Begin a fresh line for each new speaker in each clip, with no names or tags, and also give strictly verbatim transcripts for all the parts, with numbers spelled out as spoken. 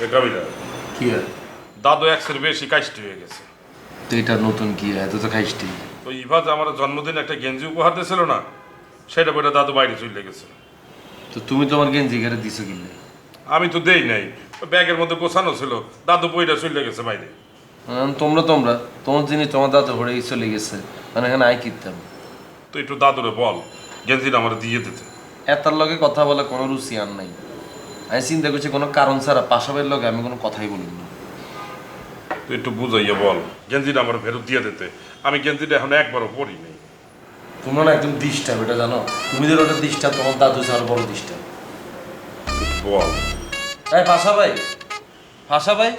কবিরা
কি আর
দাদু একশের বেশি কাশটি হয়ে গেছে।
তো এটা নতুন কি এত তো খাইস্টি।
তো ইভা যে আমার জন্মদিন একটা গেঞ্জি উপহার দিয়েছিল না, সেটা বইটা দাদু বাইরে চলে গেছে।
তো তুমি তোমার গেঞ্জি ঘরে দিছো কিনলে?
আমি তো দেই নাই, ব্যাগের মধ্যে গোছানো ছিল, দাদু বইটা চলে গেছে বাইরে।
তোমরা তোমরা তোমার জিনিস তোমার দাদু ঘরে চলে গেছে, মানে এখানে আই কিনতাম।
তো একটু দাদুরে বল গেঞ্জিটা আমার দিয়ে দিতে।
এতার লগে কথা বলে কোনো রুচি আর নাই। আমি চিন্তা করছি কোনো কারণ ছাড়া পাশাবের লগে আমি কোনো কথাই বলি না।
তুই একটু বুঝাইয়া বল গেঞ্জিটা আমার ফেরত দিয়ে দিতে। আমি গেঞ্জিটা এখন একবারও পরি নেই।
তোমরা না একদম ডিস্টার্ব, এটা জানো? তুমি যে ওটা ডিস্টার্ব, তোমার দাদু ছাড়া বড় ডিস্টার্ব।
বল।
এই ভাষা ভাই, ভাষা ভাই,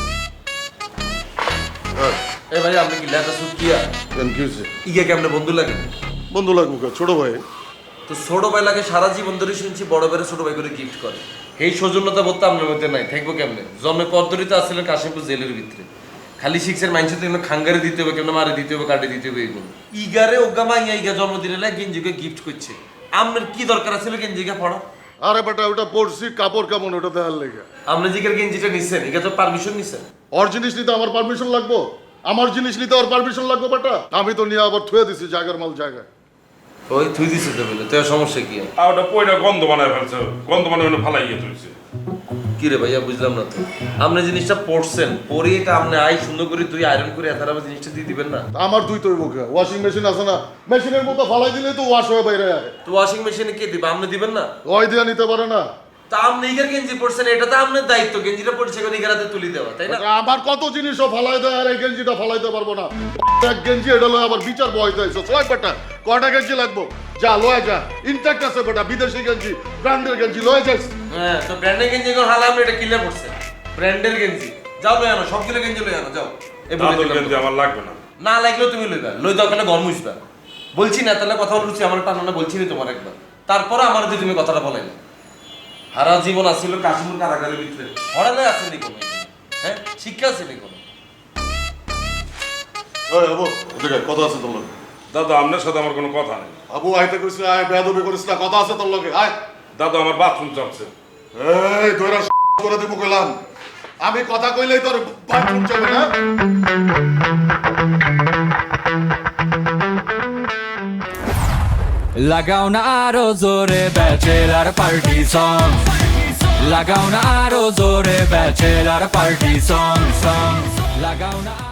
এই ভাই আপনি কি লেখা সুকিয়া ইগে কেমনে বন্ধু লাগে?
বন্ধু লাগবো ছোট ভাই।
তো ছোট ভাই লাগে সারা জীবন ধরে শুনছি বড় ভাইয়ের ছোট ভাই করে গিফট করে। এই সৌজন্যতা বোধ আপনার মধ্যে নাই, থাকবো কেমনে? জন্মের পদ্ধতিতে আসছিলেন কাশিমপুর জেলের ভিতরে, খালি শিখছেন মানুষের তো খাঙ্গারে দিতে হবে, কেমন মারে দিতে হবে, কাটে দিতে হবে, এইগুলো ইগারে ওগা মাইয়া ইগা জন্মদিনে লাগে গেঞ্জিকে গিফট করছে। আপনার কি দরকার ছিল গেঞ্জিকে পড়া?
আরে বেটা ওটা পড়ছি, কাপড় কেমন ওটা দেখার লেগে।
আপনি জিগের গেঞ্জিটা নিছেন, ইগা তো পারমিশন নিছেন।
ওর জিনিস নিতে আমার পারমিশন লাগবো? আমার জিনিস নিতে ওর পারমিশন লাগবে বেটা? আমি তো নিয়ে আবার থুয়ে দিছি জায়গার মাল জায়গায়।
ওই থুই দিছে তো বলে, তো সমস্যা কি?
আর ওটা পয়টা গন্ধ বানায় ফেলছে, গন্ধ বানায় ফালাই গিয়ে তুলছে।
কি রে ভাইয়া বুঝলাম না তো, আপনি জিনিসটা পড়ছেন, পরে এটা আপনি আই সুন্দর করে তুই আয়রন করে এত আবার জিনিসটা দিয়ে দিবেন না?
আমার দুই তৈব ওয়াশিং মেশিন আছে না, মেশিনের মতো ফালাই দিলে তো ওয়াশ হয়ে বাইরে আয়।
তো ওয়াশিং মেশিনে কে দিবে, আপনি দিবেন না?
ওই দিয়ে নিতে পারে না।
তা আপনি ইগার গেঞ্জি পড়ছেন, এটা তো আপনার দায়িত্ব, গেঞ্জিটা পড়ছে কোন ইগারাতে তুলি দেওয়া, তাই না?
আমার কত জিনিসও ফালাই দেয় আর এই গেঞ্জিটা ফালাইতে পারবো না। এক গেঞ্জি এটা লয় আবার বিচার বয় দিয়েছে। ছয় বেটা কয়টা গেঞ্জি লাগবো? যা লয় যা, ইনট্যাক্ট আছে বেটা, বিদেশি গেঞ্জি, ব্র্যান্ডের গেঞ্জি লয় যাস।
হ্যাঁ, তো ব্র্যান্ডের গেঞ্জি কোন হালা আপনি এটা কিনলে পড়ছে? ব্র্যান্ডের গেঞ্জি যাও লই আনো, সবগুলো গেঞ্জি লই আনো যাও। এই বলে
দাদুর
দিলাম
গেঞ্জি
তো।
আমার লাগবে না।
না লাগলেও তুমি লইবা, লই দাও কেন গরম হইবা? বলছি না তাহলে কথা বলছি, আমার টানো না বলছি না তোমার একবার, তারপরে আমার যে তুমি কথাটা বলাই না। সারা জীবন আসছিল কাশ্মীর কারাগারের ভিতরে, পড়ালে আসেনি কোনো, হ্যাঁ শিক্ষা আসেনি কোনো।
ওই আবু ওদিকে কথা আছে তোর লগে।
দাদু আপনার সাথে আমার কোনো কথা নেই।
আবু আইতে কইছ আয়, বেয়াদবি করিস না, কথা আছে তোর লগে আয়।
দাদু আমার বাথরুম চলছে।
এই তোরা করে দেবো কইলাম, আমি কথা কইলেই তোর বাথরুম চলে না।
লাগাও না আরো জোরে ব্যাচেলার পার্টি সং, লাগাও না আরো জোরে ব্যাচেলার পার্টি সং সং, লাগাও না।